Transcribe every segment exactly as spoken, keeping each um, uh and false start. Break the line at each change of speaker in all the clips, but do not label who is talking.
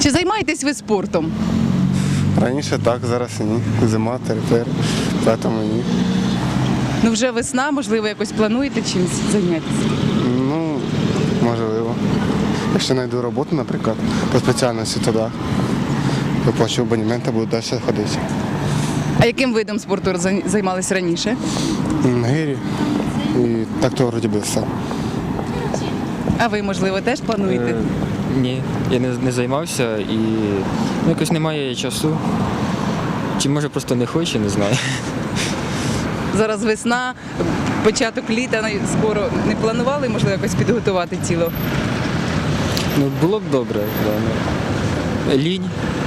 Чи займаєтесь ви спортом?
Раніше так, зараз ні. Зима, тепер, тому ні.
Ну вже весна, можливо, якось плануєте чимось зайнятися?
Ну, можливо. Якщо знайду роботу, наприклад, по спеціальності, то так. Виплачу абонемент, буду далі ходити.
А яким видом спорту зай- займались раніше?
М, Гирі. І так то вроді би все.
А ви, можливо, теж плануєте?
Е, Ні, я не, не займався і ну, якось немає часу. Чи може просто не хочу, не знаю.
Зараз весна, початок літа най- скоро. Не планували, можливо, якось підготувати тіло?
Ну, було б добре, да, ну, лінь.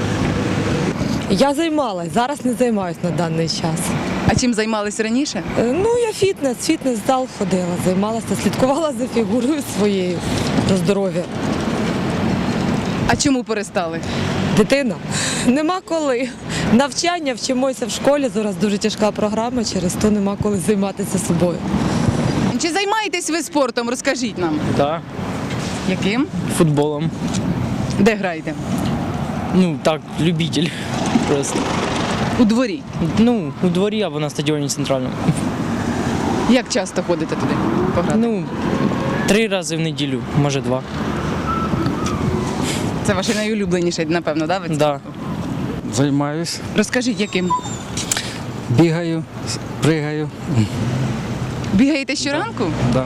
Я займалась, зараз не займаюся на даний час.
А чим займались раніше?
Е, Ну, я фітнес, фітнес-зал ходила, займалася, слідкувала за фігурою своєю, за здоров'я.
А чому перестали?
Дитина, нема коли. Навчання, вчимося в школі, зараз дуже тяжка програма, через то нема коли займатися собою.
Чи займаєтесь ви спортом? Розкажіть нам.
Так,
Яким?
футболом.
Де граєте?
Ну так, любитель просто.
У дворі.
Ну, у дворі або на стадіоні центральному.
Як часто ходите туди пограти?
Ну, три рази в неділю, може два.
Це ваш найулюбленіший, напевно, да? вид
Да.
спорту?
Займаюсь,
Розкажіть, яким?
бігаю, пригаю.
Бігаєте щоранку?
Да.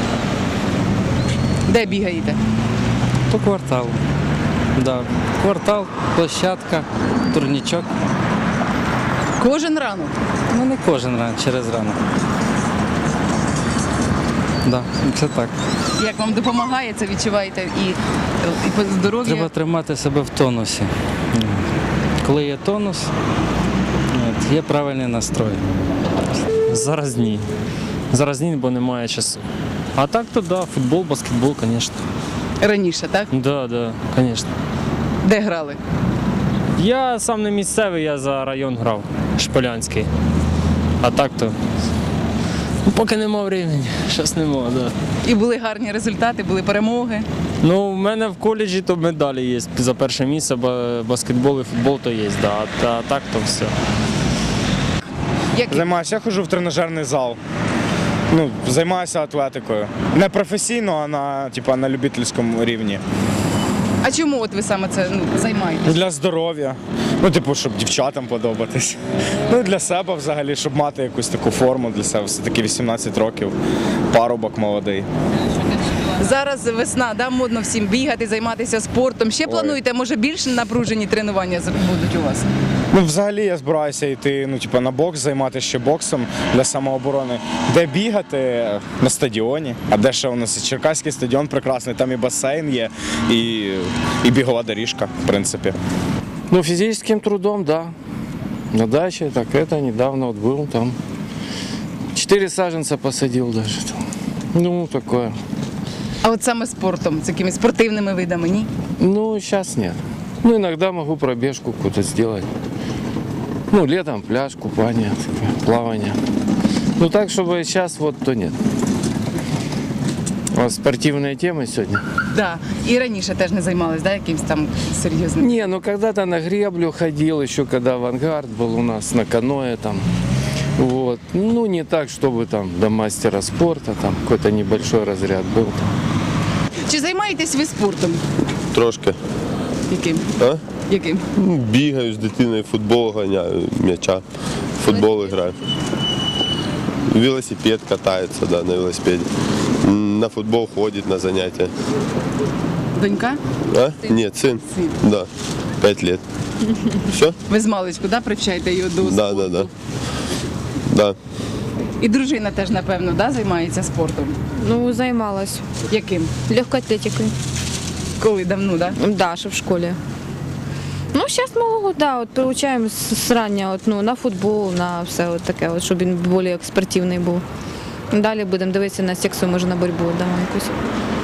Де бігаєте?
По кварталу. Да. Квартал, площадка, турнічок.
Кожен ранок.
Ну не кожен ранок, через ранок. Да, це так.
Як вам допомагає це, відчуваєте і, і по здоров'ю?
Треба тримати себе в тонусі. Коли є тонус, от, є правильний настрой.
Зараз ні. Зараз ні, бо немає часу. А так то да, футбол, баскетбол, звісно.
Раніше, так?
Да, да, звісно.
Де грали?
Я сам не місцевий, я за район грав, Шполянський. А так то. Ну, поки нема времени, щось нема, да.
І були гарні результати, були перемоги.
Ну, в мене в коледжі то медалі є за перше місце, ба- баскетбол і футбол то є, да. А, а так то все.
Які?
Займаюся, я ходжу в тренажерний зал. Ну, займаюся атлетикою. Не професійно, а на, типу, на любительському рівні.
А чому от ви саме це ну, займаєтесь?
Для здоров'я. Ну, типу, щоб дівчатам подобатись. Ну, і для себе взагалі, щоб мати якусь таку форму для себе. Все-таки вісімнадцять років, парубок молодий.
Зараз весна, да, модно всім бігати, займатися спортом. Ще плануєте, може, більш напружені тренування з- будуть у вас?
Ну, взагалі я збираюся йти ну, типу, на бокс, займатися ще боксом для самооборони. Де бігати? На стадіоні. А де ще у нас Черкаський стадіон прекрасний, там і басейн є, і, і бігова доріжка, в принципі.
Ну, физическим трудом, да. На даче, так это недавно вот был там. Четыре саженца посадил даже. там. Ну, такое.
А от саме спортом, з якимись спортивними видами, ні?
Ну, сейчас нет. Ну, иногда могу пробежку какую-то сделать. Ну, летом пляж, купание, такое, плавание. Ну, так, чтобы сейчас вот, то нет. У вас спортивные темы сегодня?
Да. І раніше теж не займались, да, якимось там серйозним?
Не, ну когда-то на греблю ходил, еще когда авангард был у нас, на каноэ там. Вот. Ну, не так, чтобы там до мастера спорта, там какой-то небольшой разряд был.
Чи займаєтесь ви спортом?
Трошки.
Яким?
А?
Яким?
Ну, бігаю з дитиною, футбол ганяю, м'яча, футбол граю. Велосипед катається, да, на велосипеді. М, На футбол ходить на заняття.
Донька?
А? Ні, син.
Син.
Да. П'ять років. Все?
Ви з маличку, да, привчаєте його до
Да,
спорту?
да, да. Да.
І дружина теж, напевно, да, займається спортом?
Ну, займалась
Яким?
легкой атлетикой.
Коли давно, да?
Да, ще в школі. Ну, зараз малого, да, от приучаємо з, з рання от, ну, на футбол, на все от таке, от, щоб він більш спортивний був. Далі будемо дивитися на секцію, може на боротьбу, да, якусь.